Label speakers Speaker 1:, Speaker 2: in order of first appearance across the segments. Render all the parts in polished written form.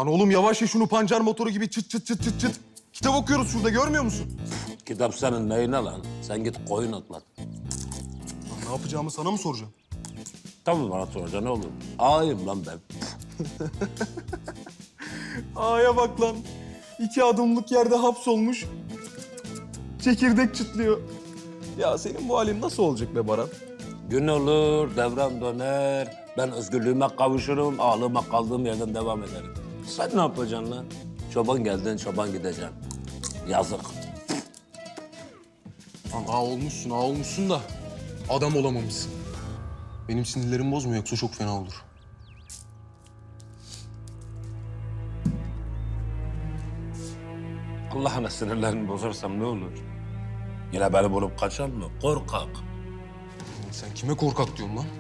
Speaker 1: Lan oğlum yavaş ya şunu pancar motoru gibi çıt çıt çıt çıt çıt. Kitap okuyoruz şurada görmüyor musun?
Speaker 2: Kitap senin neyine lan? Sen git koyun otlat.
Speaker 1: Lan ne yapacağımı sana mı soracağım?
Speaker 2: Tabii bana soracaksın ne olur. Ağayım lan ben.
Speaker 1: Aya bak lan. 2 adımlık yerde hapsolmuş. Çekirdek çıtlıyor. Ya senin bu halin nasıl olacak be Baran?
Speaker 2: Gün olur, devran döner. Ben özgürlüğüme kavuşurum, ağlığıma kaldığım yerden devam ederim. Sen ne yapacaksın lan? Çoban geldin, çoban gideceksin. Yazık.
Speaker 1: Lan ağa olmuşsun da adam olamamışsın. Benim sinirlerim bozma yoksa çok fena olur.
Speaker 2: Allah'ına sinirlerimi bozarsam ne olur? Yine beni bulup kaçan mı? Korkak.
Speaker 1: Sen kime korkak diyorsun lan?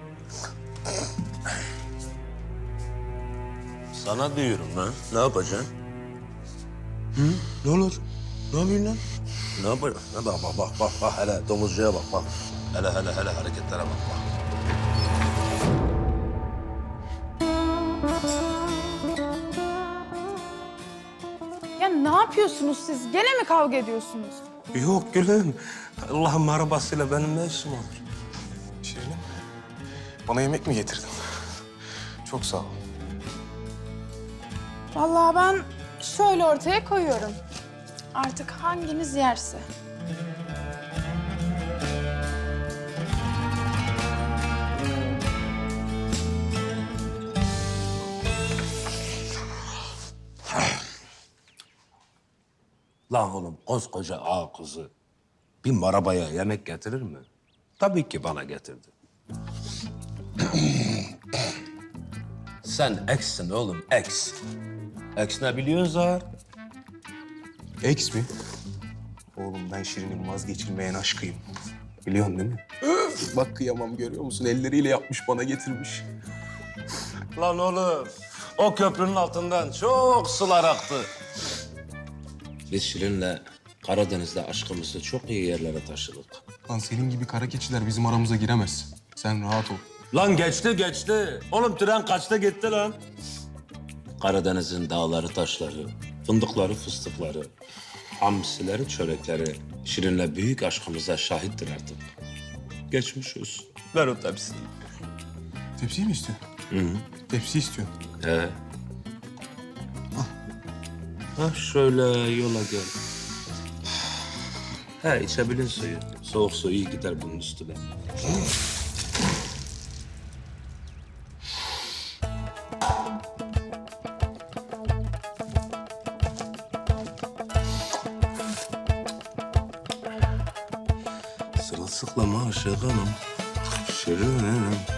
Speaker 2: Sana diyorum lan. Ne yapacaksın? Ne olur? Ne yapıyorsun lan? Ne yapacaksın? Bak. Hele domuzcuya bak. Hele hareketlere bak.
Speaker 3: Ya ne yapıyorsunuz siz? Gene mi kavga ediyorsunuz?
Speaker 2: Yok gülüm. Allah'ın arabasıyla benim ne işim olur?
Speaker 1: Şirinim, bana yemek mi getirdin? Çok sağ ol.
Speaker 3: Vallahi ben şöyle ortaya koyuyorum. Artık hanginiz yerse.
Speaker 2: Lan oğlum koskoca ağa kızı bir marabaya yemek getirir mi? Tabii ki bana getirdi. Sen eksin oğlum, eks. Eks ne biliyorsun Zahar?
Speaker 1: Eks mi? Oğlum ben Şirin'in vazgeçilmeyen aşkıyım. Biliyorsun değil mi? Öf, bak kıyamam görüyor musun? Elleriyle yapmış bana getirmiş.
Speaker 2: Lan oğlum, o köprünün altından çok sular aktı. Biz Şirin'le Karadeniz'de aşkımızı çok iyi yerlere taşıdık.
Speaker 1: Lan senin gibi kara keçiler bizim aramıza giremez. Sen rahat ol.
Speaker 2: Lan geçti. Oğlum tren kaçta gitti lan? Karadeniz'in dağları, taşları, fındıkları, fıstıkları, hamsileri, çörekleri Şirin'le büyük aşkımıza şahittir artık. Geçmiş olsun. Ver o tepsiyi.
Speaker 1: Tepsiyi mi istiyorsun? Tepsi istiyorsun.
Speaker 2: He. Ha şöyle yola gel. He içebilin suyu. Soğuk su iyi gider bunun üstüne. Sırılsıklama Aşık Hanım. Şirinim.